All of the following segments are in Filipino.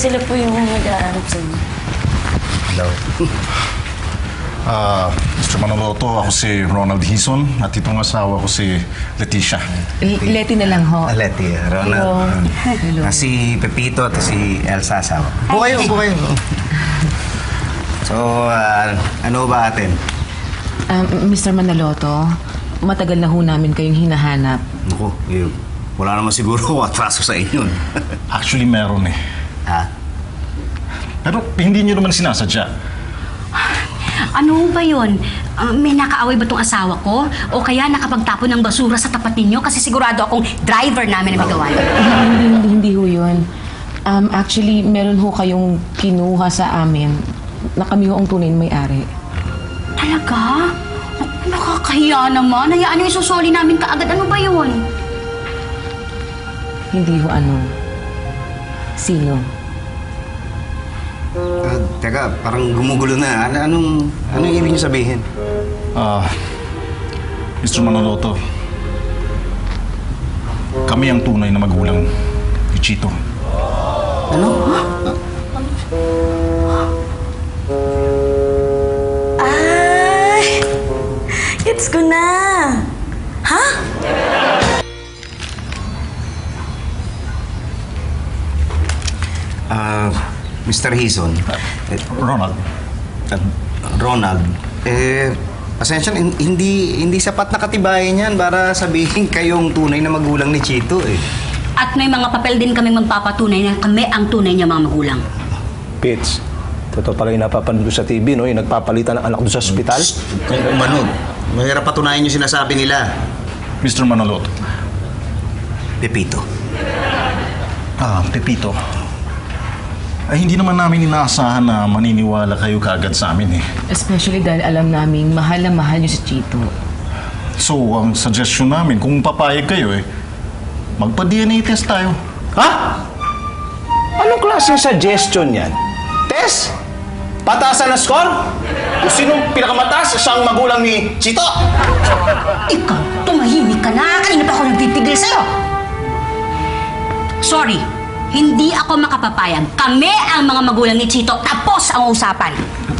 sila po yung mag-aanap sa inyo. Hello. Mr. Manoloto, ako si Ronald Hison at itong asawa ko si Leticia. Leti na lang ho. Leti, Ronald. Hello. Si Pepito at si Elsa asawa. Upo kayo. So, ano ba atin? Mr. Manaloto, matagal na ho namin kayong hinahanap. Naku, wala naman siguro atraso sa inyo. Actually, meron eh. Ha? Pero hindi niyo naman sinasadya. Ano ba yun? May nakaaway ba tong asawa ko? O kaya nakapagtapon ng basura sa tapat ninyo? Kasi sigurado akong driver namin na may gawa yun. Hindi ho yun. Actually, meron ho kayong kinuha sa amin na kami ho ang tunay na may-ari. Talaga? Nakakahiya naman. Hayaan nyo isusoli namin kaagad. Ano ba yun? Hindi ho ano. Sino? Teka, parang gumugulo na. Anong ibig niyo sabihin? Mr. Manoloto, kami ang tunay na magulang ni Chito. Ano? Ay! Gets ko na! Ha? Mr. Hison. Ronald, Ronald. Pasensya, hindi sapat na katibayan yan para sabihin kayong tunay na magulang ni Chito eh. At may mga papel din kaming magpapatunay na kami ang tunay niya mga magulang. Pits, totoo pala yung napapanood sa TV, no? Yung nagpapalitan ng anak doon sa ospital. Kung umano, mahirap patunayan yung sinasabi nila. Mr. Manoloto. Pepito. Pepito. Ay, hindi naman namin inaasahan na maniniwala kayo kaagad sa amin eh. Especially dahil alam naming mahal na mahal niyo si Chito. So, ang suggestion namin, kung papayag kayo eh, magpa-DNA test tayo. Ha? Anong klaseng suggestion yan? Test? Pataasan na score? Kung sinong pinakamataas, siyang magulang ni Chito? Ikaw, tumahimik ka na. Kanina pa ako nagpipigil sa'yo. Sorry, hindi ako makapapayag. Kami ang mga magulang ni Chito. Tapos ang usapan.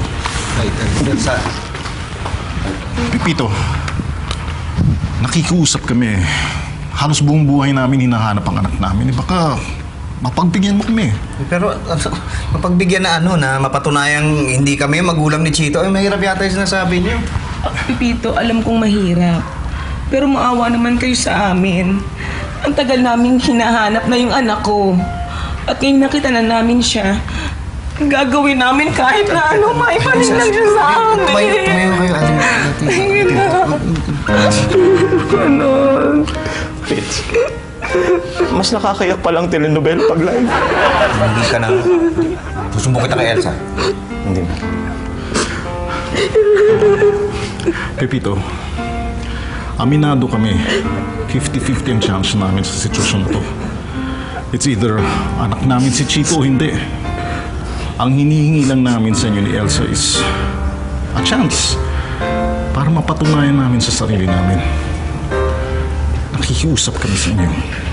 Pepito, nakikiusap kami. Halos buong buhay namin hinahanap ang anak namin. Baka mapagbigyan mo kami. Pero mapagbigyan na na mapatunayang hindi kami magulang ni Chito, ay mahirap yata yung sinasabi niyo. Pipito, alam kong mahirap. Pero maawa naman kayo sa amin. Ang tagal naming hinahanap na yung anak ko. At ngayon nakita na namin siya. Gagawin namin kahit na ano, maibalik lang siya sa amin. Tumayo kayo, ate. Ayun na. Ganon. Pits, mas nakakayak palang telenovela pag live. Hindi ka na. Susumbong kita kay Elsa. Hindi. Pepito, aminado kami. 50-50 ang chance namin sa sitwasyon na to. It's either anak namin si Chito o hindi. Ang hinihingi lang namin sa inyo ni Elsa is a chance para mapatunayan namin sa sarili namin. Nakikiusap kami sa inyo.